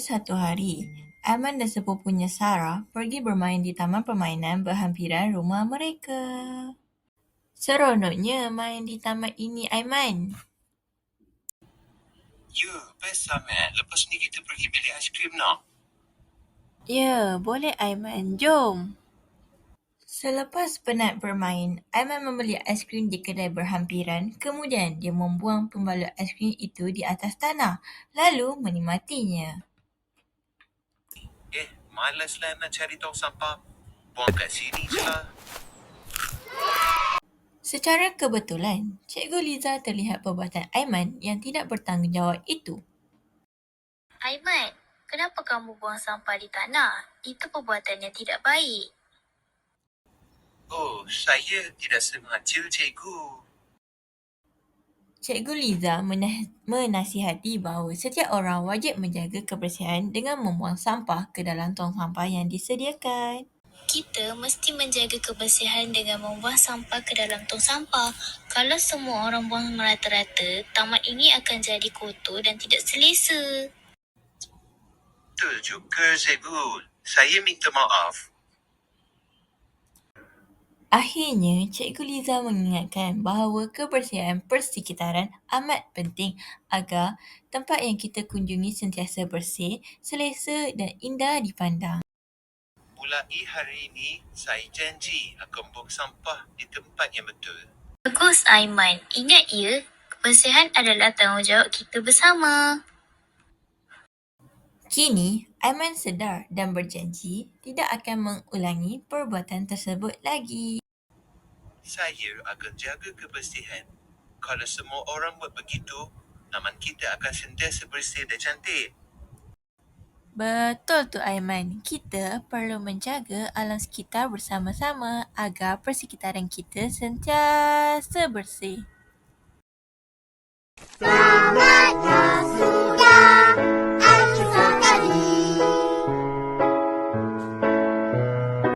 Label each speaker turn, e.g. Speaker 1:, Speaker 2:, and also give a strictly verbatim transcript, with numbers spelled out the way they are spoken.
Speaker 1: satu hari, Aiman dan sepupunya Sarah pergi bermain di taman permainan berhampiran rumah mereka. Seronoknya main di taman ini, Aiman.
Speaker 2: Ya, best sangat. Lepas ni kita pergi beli aiskrim nak?
Speaker 1: Ya, boleh Aiman. Jom. Selepas penat bermain, Aiman membeli aiskrim di kedai berhampiran. Kemudian dia membuang pembalut aiskrim itu di atas tanah, lalu menikmatinya.
Speaker 2: Eh, malaslah nak cari tong sampah. Buang kat sini je lah.
Speaker 1: Secara kebetulan, Cikgu Liza terlihat perbuatan Aiman yang tidak bertanggungjawab itu.
Speaker 3: Aiman, kenapa kamu buang sampah di tanah? Itu perbuatan yang tidak baik.
Speaker 2: Oh, saya tidak sengaja, cikgu.
Speaker 1: Cikgu Liza menah- menasihati bahawa setiap orang wajib menjaga kebersihan dengan membuang sampah ke dalam tong sampah yang disediakan.
Speaker 3: Kita mesti menjaga kebersihan dengan membuang sampah ke dalam tong sampah. Kalau semua orang buang merata-rata, taman ini akan jadi kotor dan tidak selesa.
Speaker 2: Betul juga, cikgu. Saya minta maaf.
Speaker 1: Akhirnya, Cikgu Liza mengingatkan bahawa kebersihan persekitaran amat penting agar tempat yang kita kunjungi sentiasa bersih, selesa dan indah dipandang.
Speaker 2: Mulai hari ini, saya janji akan buang sampah di tempat yang betul.
Speaker 3: Bagus Aiman, ingat ya, kebersihan adalah tanggungjawab kita bersama.
Speaker 1: Kini, Aiman sedar dan berjanji tidak akan mengulangi perbuatan tersebut lagi.
Speaker 2: Saya akan jaga kebersihan. Kalau semua orang buat begitu, taman kita akan sentiasa bersih dan cantik.
Speaker 1: Betul tu Aiman, kita perlu menjaga alam sekitar bersama-sama agar persekitaran kita sentiasa bersih.
Speaker 4: Selamat